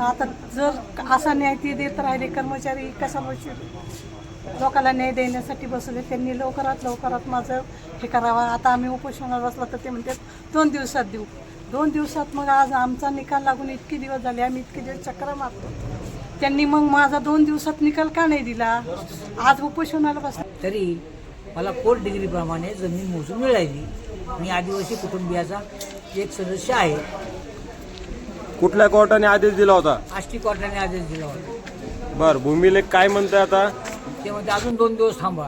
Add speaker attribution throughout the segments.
Speaker 1: आता जर असा न्याय ते देत राहिले कर्मचारी कशाला लोकांना न्याय देण्यासाठी बसले. त्यांनी लवकरात माझं हे करावं. आता आम्ही उपोषणाला बसला तर ते म्हणतात 2 दिवसात देऊ. 2 दिवसात मग आज आमचा निकाल लागून इतके दिवस झाले, आम्ही इतके दिवस चक्र मारतो. त्यांनी मग माझा 2 दिवसात निकाल का नाही दिला? आज उपोषणाला बसला.
Speaker 2: तरी मला 4 डिग्रीप्रमाणे जमीन मोजून मिळाली. मी आदिवासी कुटुंबियाचा एक सदस्य आहे.
Speaker 3: कुठल्या कोर्टाने आदेश दिला होता?
Speaker 2: आष्टी कोर्टाने आदेश दिला होता.
Speaker 3: बर, भूमिलेख काय म्हणताय आता?
Speaker 2: ते म्हणजे अजून 2 दिवस थांबा.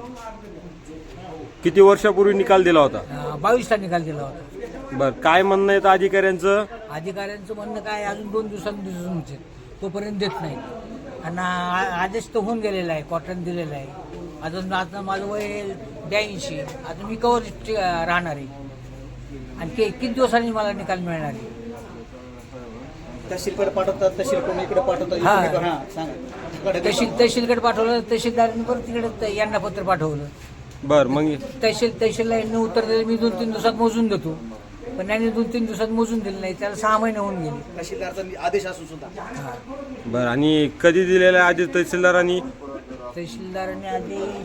Speaker 3: किती वर्षापूर्वी निकाल दिला होता?
Speaker 2: 22ला निकाल दिला होता.
Speaker 3: बर, काय म्हणणं आहे अधिकाऱ्यांचं?
Speaker 2: अधिकाऱ्यांचं म्हणणं काय, अजून 2 दिवसांनी दिसून होते, तोपर्यंत देत नाही. आणि आदेश तर होऊन गेलेला आहे, कोर्टाने दिलेला आहे. अजून आता माझं वय 82, आता मी कवर राहणार आहे. आणि किती दिवसांनी मला निकाल मिळणार आहे?
Speaker 4: तहसीलकडे पाठवतात, तहसील कोण इकडे पाठवतात.
Speaker 2: तहसीलकडे पाठवलं, तहसीलदारांनी परत तिकडे यांना पत्र पाठवलं.
Speaker 3: बर, मग
Speaker 2: तहसीलला यांनी उत्तर दिलं, मी 2-3 दिवसात मोजून देतो. पण त्यांनी 2-3 दिवसात मोजून दिलं नाही, त्याला 6 महिने होऊन गेले.
Speaker 4: तहसीलदारचा आदेश असून सुद्धा.
Speaker 3: बर, आणि कधी दिलेला आदेश तहसीलदारांनी?
Speaker 2: तहसीलदारांनी आदेश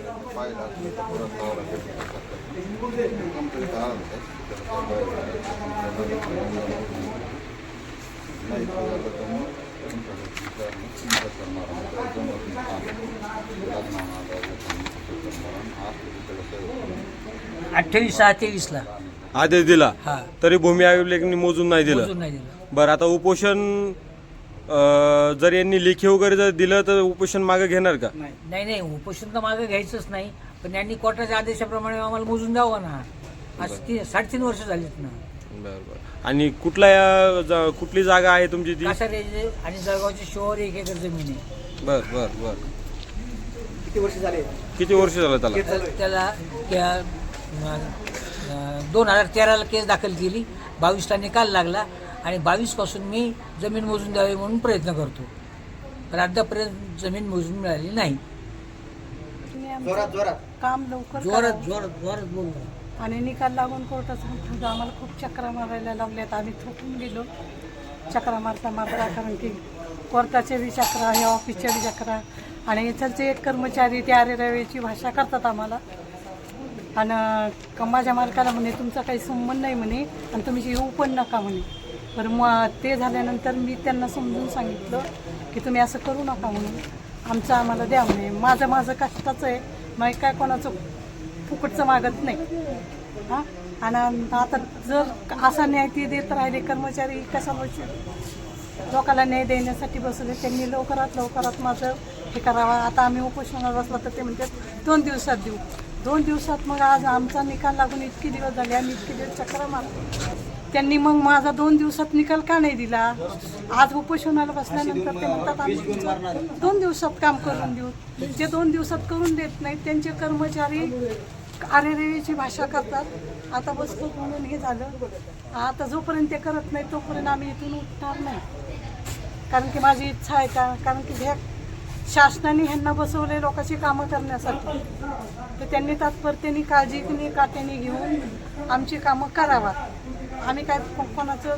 Speaker 2: ला 28/6/23
Speaker 3: आदेश दिला.
Speaker 2: हा,
Speaker 3: तरी भूमी अभिलेखनी मोजून नाही दिलं.
Speaker 2: मोजून नाही दिलं.
Speaker 3: बरं, आता उपोषण जर यांनी लेखी वगैरे जर दिलं तर उपोषण मागे घेणार का?
Speaker 2: नाही, उपोषण तर मागे घ्यायचंच नाही. पण यांनी कोर्टाच्या आदेशाप्रमाणे आम्हाला मोजून द्यावं ना. आज 3.5 वर्ष झालीत ना.
Speaker 3: बरं. आणि कुठली जागा आहे तुमची ती?
Speaker 2: कासारे आणि जळगावच्या शिवावर 1 एकर जमीन आहे.
Speaker 3: बर.
Speaker 4: किती वर्ष झाले?
Speaker 3: किती वर्ष झालं त्याला?
Speaker 2: त्याला 2013ला केस दाखल केली. 22ला निकाल लागला आणि 22 पासून मी जमीन मोजून द्यावी म्हणून प्रयत्न करतो. पण अद्यापर्यंत जमीन मोजून मिळाली नाही.
Speaker 1: काम लवकर
Speaker 2: जोरात बोललो.
Speaker 1: आणि निकाल लागून कोर्टाचं आम्हाला खूप चक्रा मारायला लावल्यात. आम्ही थकून गेलो चक्रा मारता, कारण की कोर्टाचे बी चक्रा, हे ऑफिसचे बी चक्रा. आणि इथलचे एक कर्मचारी ते अरेरावेची भाषा करतात आम्हाला. आणि माझ्या मालकाला म्हणे तुमचा काही संबंध नाही म्हणे, आणि तुम्ही येऊ पण नका म्हणे. बरं, मग ते झाल्यानंतर मी त्यांना समजून सांगितलं की तुम्ही असं करू नका म्हणून, आमचं आम्हाला द्या म्हणे. माझं कष्टाचं आहे, मग काय कोणाचं फुकटचं मागत नाही. हां, आणि आता जर असा न्याय ते देत राहिले कर्मचारी कशाला लोकांना न्याय देण्यासाठी बसले. त्यांनी लवकरात माझं हे करावं. आता आम्ही उपोषणाला बसला तर ते म्हणतात 2 दिवसात देऊ. 2 दिवसात मग आज आमचा निकाल लागून इतके दिवस झाले, आम्ही इतके दिवस चक्र मारतो. त्यांनी मग माझा 2 दिवसात निकाल का नाही दिला? आज उपोषणाला बसल्यानंतर ते म्हणतात आम्ही 2 दिवसात काम करून देऊ. जे 2 दिवसात करून देत नाहीत त्यांचे कर्मचारी अरेरेची भाषा करतात. आता बसतो म्हणून हे झालं. आता जोपर्यंत ते करत नाही तोपर्यंत आम्ही इथून उठणार नाही. कारण की माझी इच्छा आहे कारण की ह्या शासनाने ह्यांना बसवले लोकांची कामं करण्यासाठी, तर त्यांनी तात्पर्याने काळजीने काट्याने घेऊन आमची कामं करावा. आम्ही काय कोणाचं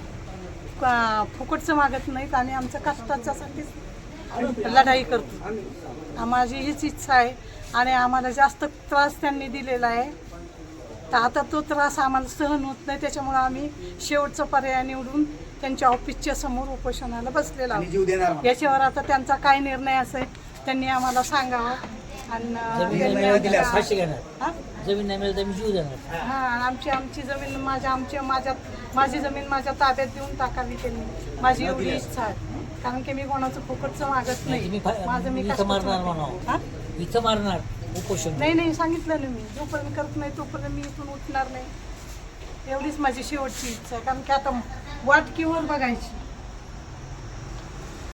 Speaker 1: फुकटचं मागत नाहीत आणि आमच्या कष्टाच्यासाठीच लढाई करतो. माझी हीच इच्छा आहे. आणि आम्हाला जास्त त्रास त्यांनी दिलेला आहे, तर आता तो त्रास आम्हाला सहन होत नाही. त्याच्यामुळे आम्ही शेवटचा पर्याय निवडून त्यांच्या ऑफिसच्या समोर उपोषणाला बसलेला आहोत. याच्यावर आता त्यांचा काय निर्णय असेल त्यांनी आम्हाला सांगावं. आणि
Speaker 2: जमीन नाही मिळाली तर मी जीव देणार.
Speaker 1: हां, आमची जमीन माझी जमीन माझ्या ताब्यात देऊन टाकावी त्यांनी. माझी एवढी इच्छा आहे. कारण की मी कोणाचं फुकटचं मागत नाही. माझं मी
Speaker 2: इथं मारणार उपोषण
Speaker 1: नाही सांगितलं ना मी. जोपर्यंत करत नाही तोपर्यंत मी इथून उठणार नाही. एवढीच माझी शेवटची इच्छा आहे. कारण की आता वाटकीवर बघायची.